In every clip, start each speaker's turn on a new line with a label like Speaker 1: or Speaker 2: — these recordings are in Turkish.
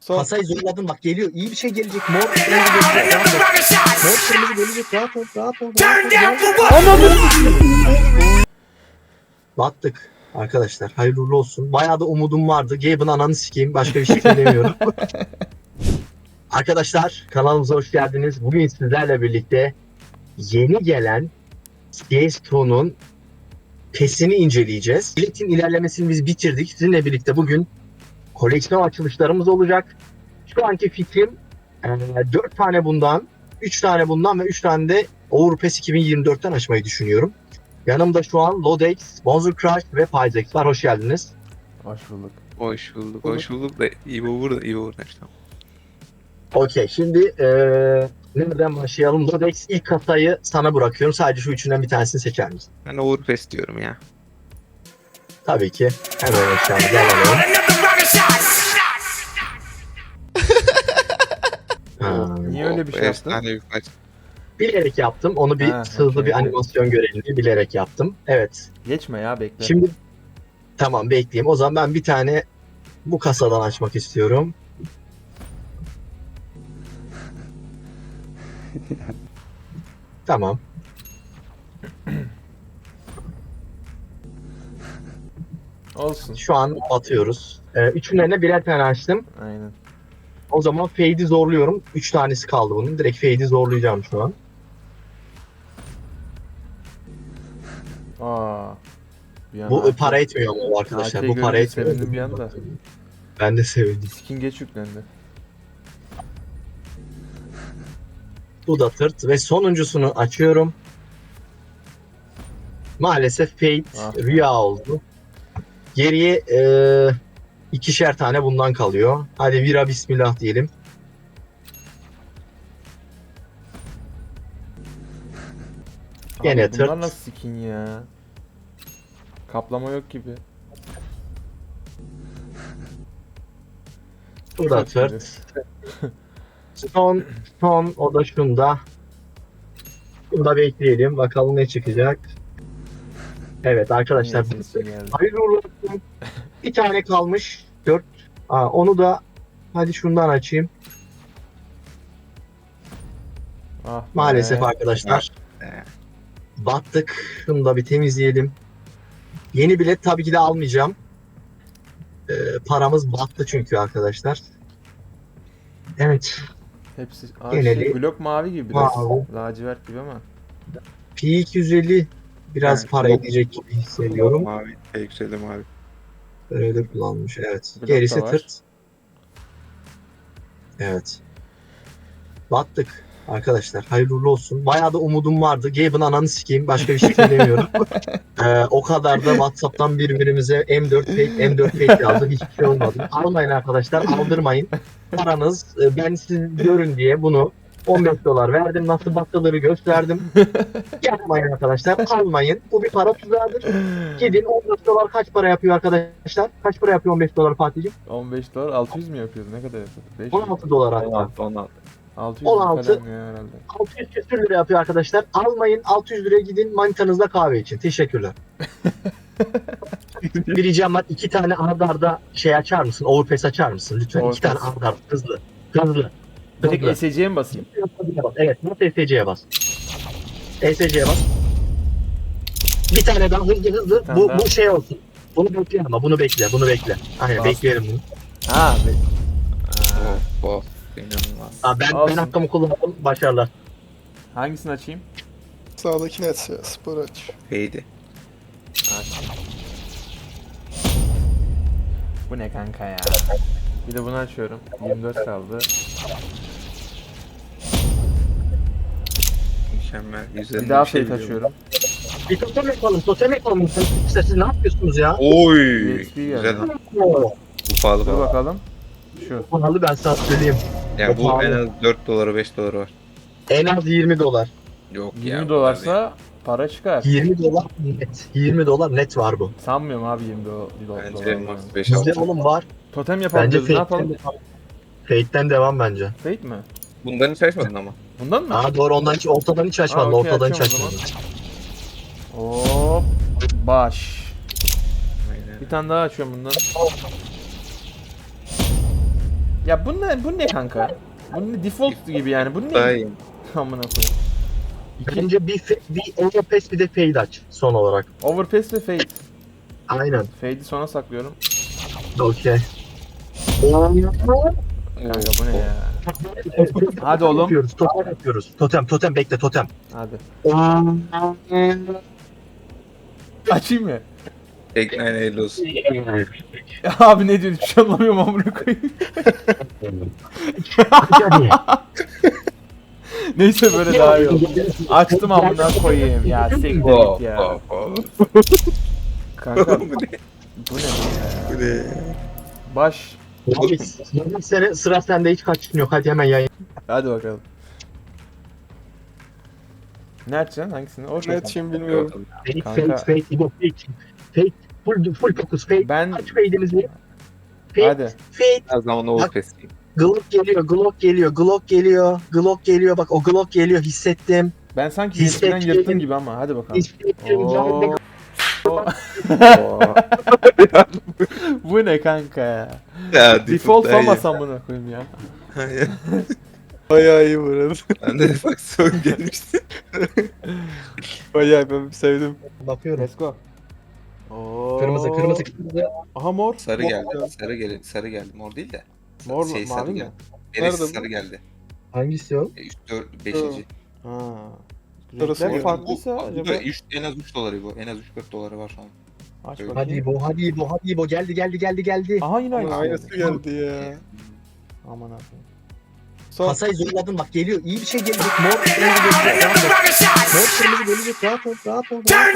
Speaker 1: Son.
Speaker 2: Kasayı zorladın bak, geliyor. İyi bir şey gelecek. Mor kırmızı gelecek. Rahat ol. Mor kırmızı gelecek. Rahat ol. Rahat ol. Battık arkadaşlar. Hayırlı uğurlu olsun. Bayağı da umudum vardı. Gabe'ın ananı sikeyim. Başka bir şey söylemiyorum. Arkadaşlar kanalımıza hoş geldiniz. Bugün sizlerle birlikte yeni gelen CSGO'nun PES'ini inceleyeceğiz. Biletin ilerlemesini biz bitirdik. Sizinle birlikte bugün koleksiyon açılışlarımız olacak. Şu anki fikrim 4 tane bundan, 3 tane bundan ve 3 tane de Overpass 2024'ten açmayı düşünüyorum. Yanımda şu an Lodex, Bonzer Crush ve Pyzex var. Hoş geldiniz.
Speaker 3: Hoş bulduk.
Speaker 1: Hoş bulduk. Hoş bulduk da İbo burada. İbo burada işte.
Speaker 2: Okey, şimdi nereden başlayalım? Lodex, ilk kasayı sana bırakıyorum. Sadece şu üçünden bir tanesini seçer misin?
Speaker 1: Ben Overpass diyorum ya.
Speaker 2: Tabii ki. Hemen aşağıya alalım. Ha,
Speaker 3: Niye öyle bir şey yaptın?
Speaker 1: Efsane bir maç.
Speaker 2: bilerek yaptım. Onu bir
Speaker 3: Ha,
Speaker 2: hızlı
Speaker 3: okey.
Speaker 2: bir animasyon görelim diye bilerek yaptım. Evet.
Speaker 3: Geçme ya, bekle.
Speaker 2: Şimdi tamam, bekleyeyim. O zaman ben bir tane bu kasadan açmak istiyorum. Tamam.
Speaker 3: Olsun.
Speaker 2: Şu an atıyoruz. Üçünden birer tane açtım.
Speaker 3: Aynen.
Speaker 2: O zaman fade'i zorluyorum. 3 tanesi kaldı bunun. Direkt fade'i zorlayacağım şu an.
Speaker 3: Aa. Bir
Speaker 2: Bu
Speaker 3: anda
Speaker 2: para etmiyor mu arkadaşlar?
Speaker 3: AK'yi
Speaker 2: Bu para
Speaker 3: görünce
Speaker 2: etmiyor.
Speaker 3: sevindim bir anda.
Speaker 2: Ben de sevindim.
Speaker 3: Skin geç yüklendi.
Speaker 2: Bu da tırt ve sonuncusunu açıyorum. Maalesef fade
Speaker 3: Ah.
Speaker 2: rüya oldu. Geriye ikişer tane bundan kalıyor. Hadi vira bismillah diyelim. Gene
Speaker 3: Abi bunlar
Speaker 2: tırt.
Speaker 3: nasıl skin ya? Kaplama yok gibi.
Speaker 2: Bu da
Speaker 3: Çok
Speaker 2: tırt. Son o da şunda. Bunu da bekleyelim. Bakalım ne çıkacak. Evet arkadaşlar.
Speaker 3: Neyse, skin geldi.
Speaker 2: Hayırlı uğurlu olsun. Bir tane kalmış. 4. Onu da hadi şundan açayım.
Speaker 3: Ah
Speaker 2: Maalesef
Speaker 3: be.
Speaker 2: arkadaşlar.
Speaker 1: Ee,
Speaker 2: Battık. Şunu da bir temizleyelim. Yeni bilet tabii ki de almayacağım. Paramız battı çünkü arkadaşlar. Evet.
Speaker 3: Hepsi
Speaker 2: Geneli-
Speaker 3: blok mavi gibi biraz.
Speaker 2: Mavi.
Speaker 3: Lacivert gibi ama.
Speaker 2: P250 biraz
Speaker 1: Evet,
Speaker 2: para
Speaker 1: blok-
Speaker 2: edecek gibi hissediyorum.
Speaker 1: Mavi. Yükseli mavi.
Speaker 2: Öyle kullanmış, evet.
Speaker 3: Blok
Speaker 2: Gerisi
Speaker 3: da var.
Speaker 2: tırt. Evet. Battık arkadaşlar. Hayırlı uğurlu olsun. Bayağı da umudum vardı. Gabe'ın ananı sikeyim. Başka bir şey söylemiyorum. O kadar da WhatsApp'tan birbirimize M4 fake, M4 fake yazdık. Hiçbir şey olmadı. Almayın arkadaşlar. Aldırmayın. Paranız ben siz görün diye bunu 15 dolar verdim. Nasıl battığını gösterdim. Yapmayın arkadaşlar. Almayın. Bu bir para tuzağıdır. Gidin 15 dolar kaç para yapıyor arkadaşlar? Kaç para yapıyor 15 dolar Fatih'ciğim?
Speaker 3: 15 dolar 600 mü yapıyordu? Ne kadar yapıyordu? 500.
Speaker 2: 16 dolar hatta.
Speaker 1: 16.
Speaker 3: 600
Speaker 2: 16.
Speaker 3: falan ya herhalde.
Speaker 2: 600 küsür lira yapıyor arkadaşlar. Almayın, 600 liraya gidin manitanızla kahve için. Teşekkürler. Bir ricam var. 2 tane arda arda şey açar mısın? Overpass açar mısın? Lütfen 2
Speaker 3: Overpass.
Speaker 2: tane arda arda. Hızlı. Hızlı.
Speaker 3: Direkt
Speaker 2: Hızlı.
Speaker 3: ESC'ye mi basayım?
Speaker 2: Evet. Nasıl ESC'ye bas? ESC'ye bas. Bir tane daha hızlı.
Speaker 3: tane
Speaker 2: Bu,
Speaker 3: daha.
Speaker 2: bu şey olsun. Bunu bekle ama bunu bekle. Bunu bekle. Aynen
Speaker 3: Bastım.
Speaker 2: bekleyelim bunu.
Speaker 3: Ha.
Speaker 1: Of. İnanılmaz.
Speaker 2: Ben
Speaker 3: Olsun.
Speaker 2: hakkımı kullandım. Başarılar.
Speaker 3: Hangisini açayım?
Speaker 4: Sağdaki net ya, spor aç.
Speaker 1: Feydi.
Speaker 3: Aç. Bu ne kanka ya? Bir de bunu açıyorum. 24 kaldı.
Speaker 1: Mükemmel. Güzel
Speaker 3: Bir daha
Speaker 1: şey
Speaker 3: fate
Speaker 1: biliyorum.
Speaker 3: açıyorum.
Speaker 2: Bir totem yapalım. Totem yapalım. İşte siz ne yapıyorsunuz ya?
Speaker 1: Oy.
Speaker 3: UXP geldi.
Speaker 1: Güzel.
Speaker 2: Oo.
Speaker 1: Bu pahalı
Speaker 3: Dur
Speaker 1: pahalı.
Speaker 3: bakalım. Şu.
Speaker 2: Pahalı, ben sana söyleyeyim.
Speaker 1: Yani bu
Speaker 2: pahalı.
Speaker 1: en az 4 doları 5 doları var.
Speaker 2: En az 20 dolar.
Speaker 1: Yok
Speaker 3: 20
Speaker 1: ya. bu kadar değil.
Speaker 3: dolarsa para çıkar.
Speaker 2: 20 dolar net. 20 dolar net var bu.
Speaker 3: Sanmıyorum abi 20 dolar.
Speaker 1: Bence max 5
Speaker 2: Bizde
Speaker 1: 6.
Speaker 2: oğlum var.
Speaker 3: Totem yapalım
Speaker 2: Bence
Speaker 3: diyoruz, ne yapalım?
Speaker 2: Fate'den devam bence.
Speaker 3: Fate mi?
Speaker 1: Bundan hiç açmadın ama.
Speaker 3: Bundan mı?
Speaker 2: Aa doğru, ondan hiç ortadan hiç açmadın.
Speaker 3: Aa, okey,
Speaker 2: Ortadan hiç
Speaker 3: açıyorum o
Speaker 2: açmadın.
Speaker 3: Hop. Baş.
Speaker 1: Aynen.
Speaker 3: Bir tane daha açıyorum bundan. Ya bu ne kanka? Bu ne default gibi yani. Bu
Speaker 1: Daha
Speaker 3: ne?
Speaker 1: iyi.
Speaker 3: Amına koyayım.
Speaker 2: Bence bir overpass bir de fade aç son olarak.
Speaker 3: Overpass ve fade.
Speaker 2: Aynen.
Speaker 3: Fade'i sona saklıyorum.
Speaker 2: Okey.
Speaker 3: Kanka bu ne ya? Hadi oğlum.
Speaker 2: Yapıyoruz. Totem yapıyoruz. Totem bekle totem.
Speaker 3: Hadi. Açayım mı?
Speaker 1: Tekne hayırlı olsun.
Speaker 3: Ya abi ne diyorsun? Hiçbir şey anlamıyorum amına koyayım. Neyse böyle daha iyi oldu. Açtım amına koyayım ya. Siktir git ya. Kanka
Speaker 1: Bu ne?
Speaker 3: bu ne ya?
Speaker 1: Bu ne?
Speaker 3: Baş.
Speaker 2: Yarın sene sıra sende hiç kaçışın yok. Hadi hemen yayın.
Speaker 3: Hadi bakalım. Ne açacaksın? Hangisini?
Speaker 4: Ne
Speaker 3: Orada.
Speaker 4: açayım bilmiyorum.
Speaker 3: Kanka.
Speaker 2: Fade. İbo fade. Full focus fade.
Speaker 3: Ben
Speaker 2: Aç fade'imizi. Fade.
Speaker 3: hadi.
Speaker 2: Fade.
Speaker 1: Her zaman overpass.
Speaker 2: Glock geliyor. Bak o Glock geliyor hissettim.
Speaker 3: Ben sanki
Speaker 2: Hissettim.
Speaker 3: eskiden yırttım gibi ama hadi bakalım.
Speaker 2: Hissettim.
Speaker 3: Oo. Bu ne kanka ya?
Speaker 1: Ya
Speaker 3: Default
Speaker 1: daha iyi.
Speaker 3: olmasam bunu koyayım ya.
Speaker 4: Bayağı iyi bu arada.
Speaker 1: Ben de faksiyon gelmişti.
Speaker 4: Bayağı ben sevdim.
Speaker 2: Bakıyorum.
Speaker 3: Let's go. Oo.
Speaker 2: Kırmızı.
Speaker 3: Aha mor.
Speaker 1: Sarı
Speaker 3: Mor.
Speaker 1: geldi. Sarı geldi. Mor değil de.
Speaker 3: Mor mu?
Speaker 1: Sarı
Speaker 3: Mavi mi?
Speaker 1: geldi. Neresi
Speaker 4: Nerede bu?
Speaker 1: sarı geldi.
Speaker 2: Hangisi o?
Speaker 1: 3, 4, 5.
Speaker 3: Ha.
Speaker 4: Sarısı
Speaker 3: Renkler
Speaker 4: geldi.
Speaker 3: farklıysa
Speaker 1: Bu
Speaker 3: acaba
Speaker 1: da en az 3 doları bu. En az 3-4 doları var şu an.
Speaker 3: aç
Speaker 1: Hadi
Speaker 3: bakayım.
Speaker 2: Hadi İbo. Geldi.
Speaker 3: Aha yine
Speaker 4: Ama
Speaker 3: aynısı.
Speaker 4: aynısı
Speaker 3: geldi.
Speaker 4: geldi ya.
Speaker 3: Aman abi.
Speaker 4: Son.
Speaker 2: Kasayı zorladın bak geliyor. İyi bir şey gelecek. Mor kırmızı gelecek. Rahat ol.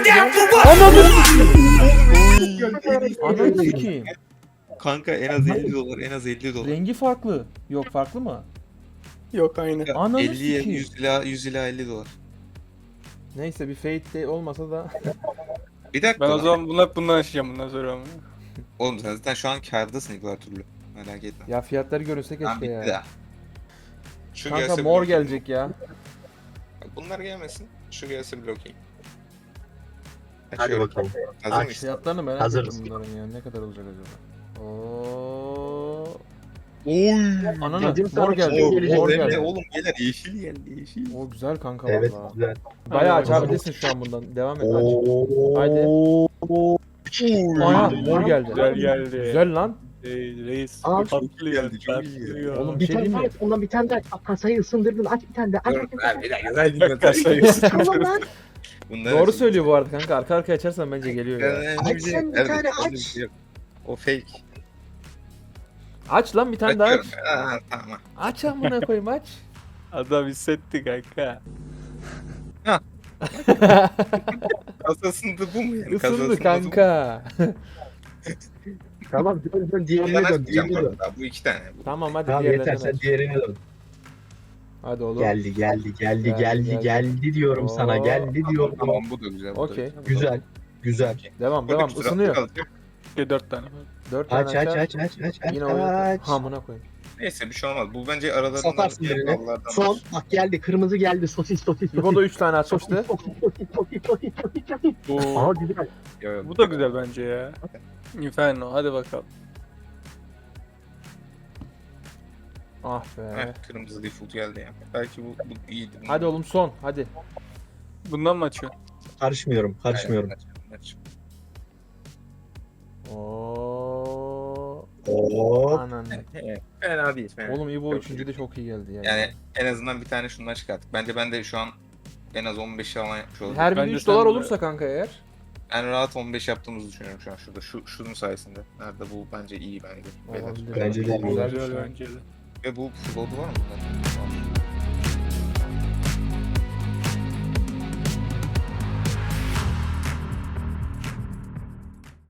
Speaker 3: Ananı sikeyim.
Speaker 1: Kanka en az 50 dolar. En az 50 dolar.
Speaker 3: Rengi farklı. Yok farklı mı?
Speaker 4: Yok aynı.
Speaker 3: Ananı
Speaker 1: 50'ye
Speaker 3: sikeyim.
Speaker 1: 100 ila 50 dolar.
Speaker 3: Neyse bir fade de olmasa da.
Speaker 1: Bir dakika.
Speaker 4: Ben o
Speaker 1: lan.
Speaker 4: zaman bundan açacağım bundan sonra ama.
Speaker 1: Oğlum sen zaten şu an kârdasın ilk her türlü. Merak etme.
Speaker 3: Ya fiyatları görünse
Speaker 1: Tamam
Speaker 3: keşke
Speaker 1: bitti
Speaker 3: ya.
Speaker 1: ya. Şu
Speaker 3: Kanka
Speaker 1: gelse
Speaker 3: mor
Speaker 1: bile-
Speaker 3: gelecek ya.
Speaker 1: Bunlar gelmesin. Şu gelse bile okey.
Speaker 2: Hadi
Speaker 1: Açıyorum.
Speaker 2: bakalım.
Speaker 1: Hazır
Speaker 2: Aç.
Speaker 1: mısın?
Speaker 3: Fiyatlarını merak
Speaker 2: Hazırız.
Speaker 3: ettim bunların ya. Ne kadar olacak acaba? Oo.
Speaker 1: Oy.
Speaker 3: Ananı
Speaker 2: Dedim sana
Speaker 3: mor
Speaker 2: bir şey
Speaker 3: geldi.
Speaker 2: gelecek.
Speaker 3: Mor
Speaker 1: Mor
Speaker 3: geldi.
Speaker 1: oğlum gelir yeşil geldi yeşil.
Speaker 3: O güzel kanka
Speaker 2: Evet
Speaker 3: valla.
Speaker 2: güzel.
Speaker 3: Bayağı
Speaker 4: Hadi
Speaker 3: açabilirsin şu an bundan. Devam et aç.
Speaker 2: Haydi.
Speaker 3: Aha mor geldi.
Speaker 4: Güzel geldi.
Speaker 3: Güzel lan.
Speaker 4: Reis.
Speaker 2: Aa,
Speaker 4: Patlıyor.
Speaker 1: geldi, çok iyi geldi.
Speaker 4: patlıyor.
Speaker 3: Oğlum bir
Speaker 2: Bir
Speaker 3: şey
Speaker 2: tane
Speaker 3: diyeyim
Speaker 2: daha
Speaker 3: mi?
Speaker 2: aç. Ondan bir tane daha aç. Bak, kasayı ısındırdın. Aç bir tane daha. Aç.
Speaker 1: Dur bir dakika güzel
Speaker 4: Kasayı
Speaker 1: dinle.
Speaker 2: Tamam lan.
Speaker 3: Doğru söylüyor bu arada kanka. Arka arkaya açarsan bence geliyor ya.
Speaker 2: Aç sen bir tane aç.
Speaker 1: O fake.
Speaker 3: Aç lan bir tane daha aç.
Speaker 1: Açıyorum. Aa, tamam.
Speaker 3: Aç amına koyayım aç.
Speaker 4: Adam hissetti kanka.
Speaker 1: Kasasında bu mu yani?
Speaker 3: Isındı
Speaker 1: Kasasında bu mu?
Speaker 3: kanka.
Speaker 2: Tamam dön diğerine
Speaker 1: Bundan
Speaker 2: dön.
Speaker 1: açmayacağım
Speaker 2: Diğerine
Speaker 1: bu
Speaker 2: dön.
Speaker 1: arada. Bu 2 tane. Bu.
Speaker 3: Tamam hadi
Speaker 2: Tamam yeter
Speaker 3: diğerlerden
Speaker 2: sen
Speaker 3: aç.
Speaker 2: diğerine dön.
Speaker 3: Hadi oğlum.
Speaker 2: Geldi diyorum sana.
Speaker 3: Oo.
Speaker 2: Geldi diyorum.
Speaker 1: Tamam bu da güzel. bu da
Speaker 3: Okey.
Speaker 2: Güzel.
Speaker 3: Devam
Speaker 1: Burada
Speaker 3: devam
Speaker 1: bir sıra
Speaker 3: ısınıyor.
Speaker 1: kalacak.
Speaker 4: 4 tane.
Speaker 3: 4 tane
Speaker 2: Aç
Speaker 3: açar.
Speaker 2: aç.
Speaker 3: Yine oyunu
Speaker 2: Aç.
Speaker 3: hamına koyayım.
Speaker 1: Neyse bir şey olmaz. Bu bence aralarından
Speaker 2: Satarsın birini. Son bak geldi kırmızı geldi sosis.
Speaker 3: İbo da 3 tane açmıştı.
Speaker 4: Bu,
Speaker 2: Aa güzel.
Speaker 4: bu da güzel bence ya. Inferno hadi bakalım.
Speaker 3: Ah be.
Speaker 1: Kırmızı default geldi ya. Belki bu iyiydi.
Speaker 3: Hadi oğlum son hadi.
Speaker 4: Bundan mı açıyorsun?
Speaker 2: Karışmıyorum.
Speaker 1: Aç.
Speaker 3: Oo.
Speaker 2: Oo.
Speaker 3: Anan.
Speaker 1: Fena değil. Fena.
Speaker 3: Oğlum İbo
Speaker 1: Çok
Speaker 3: 3. de çok iyi geldi yani.
Speaker 1: Yani en azından bir tane şundan çıkarttık. Bence ben de şu an en az 15 falan yapmış olurum.
Speaker 3: Her biri
Speaker 4: Bence
Speaker 3: 3 dolar
Speaker 4: sen de-
Speaker 3: olursa kanka eğer.
Speaker 1: En rahat 15 yaptığımızı düşünüyorum şu an şurada. Şunun sayesinde. Nerede bu bence iyi bence. Beyler.
Speaker 3: Olabilir.
Speaker 2: Bence de iyi.
Speaker 3: Güzel bir
Speaker 4: Güzel
Speaker 3: şey.
Speaker 4: bence de.
Speaker 1: Ve bu float'u var mı? Var.